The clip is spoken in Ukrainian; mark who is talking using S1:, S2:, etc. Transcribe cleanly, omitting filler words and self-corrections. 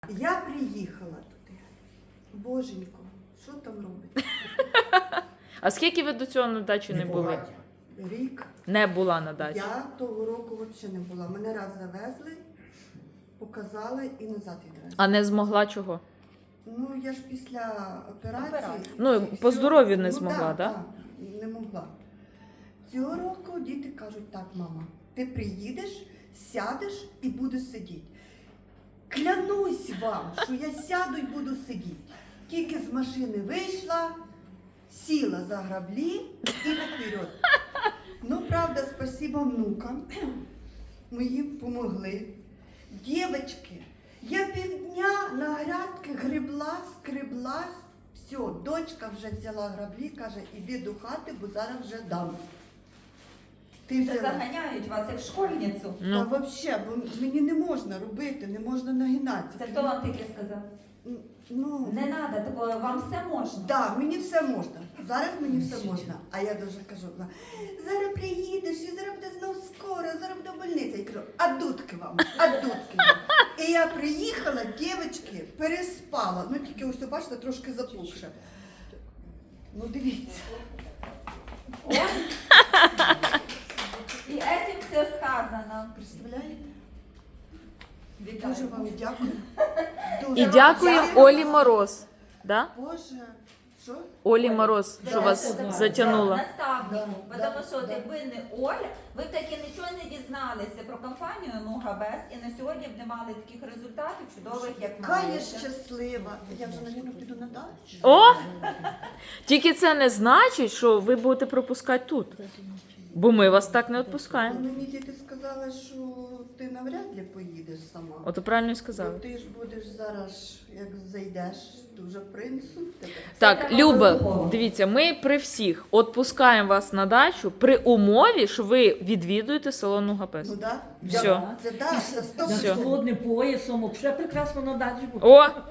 S1: Я приїхала туди. Боженько, що там робить?
S2: А скільки ви до цього на дачі не були?
S1: Рік.
S2: Не була на дачі.
S1: Я того року взагалі не була. Мене раз завезли, показали і назад відвезли.
S2: А не змогла чого?
S1: Ну, я ж після операції.
S2: Ну,
S1: ці
S2: по
S1: всі-
S2: здоров'ю не змогла, да?
S1: Так, не могла. Цього року діти кажуть, так, мама, ти приїдеш, сядеш і будеш сидіти. Клянусь вам, що я сяду і буду сидіти. Тільки з машини вийшла, сіла за граблі і наперед. Ну, правда, спасибо внукам. Мої помогли. Дівчатки, я півдня на грядки гребла, скребла. Все, дочка вже взяла граблі, каже, іди до хати, бо зараз вже дам. Ти
S3: Це
S1: взяла.
S3: заганяють вас як школьницю.
S1: Та
S2: Ну,
S1: взагалі, бо мені не можна робити, не можна нагинатися.
S3: Це хто вам таке сказав?
S1: Ну,
S3: Не треба такого, вам все можна.
S1: так, мені все можна. Зараз мені все можна. А я дуже кажу, зараз приїдеш, і зараз буде знов скоро, зараз буде больниця. Я кажу, а дудки вам, а дудки вам. І я приїхала, дівчатки, переспала. Ну тільки ось, бачите, трошки запухше. Ну дивіться.
S3: Ой. І этим все сказано.
S1: Представляєте?
S3: Вітаю.
S1: Дуже вам дякую.
S2: і
S1: Дуже вам
S2: дякуємо
S1: дякую.
S2: Олі Мороз. Да?
S1: Боже, що?
S2: Олі Мороз, що
S1: Да,
S2: вас
S1: да,
S2: затягнула.
S3: Наставнику,
S1: Да,
S3: тому що
S1: да.
S3: якби не Оля, ви б таки нічого не дізналися про компанію Нугабест і на сьогодні б не мали таких результатів чудових, як
S1: Яка я
S3: маєте.
S1: щаслива. Я вже, навіть, піду на дачу.
S2: О! Тільки це не значить, що ви будете пропускати тут. Бо ми вас так не
S1: Ну,
S2: відпускаємо.
S1: мені діти сказали, що ти навряд ли поїдеш сама.
S2: Ото правильно і
S1: Бо
S2: сказали.
S1: ти ж будеш зараз, як зайдеш, дуже принесуть тебе.
S2: Так,
S3: треба
S2: Люба,
S3: обов'язково.
S2: дивіться, ми при всіх відпускаємо вас на дачу при умові, що ви відвідуєте село Нугапес.
S1: Ну так?
S2: Все.
S1: Це так, це
S2: Все.
S1: 100%.
S4: З холодним поясом, взагалі прекрасно на дачі було.
S2: О,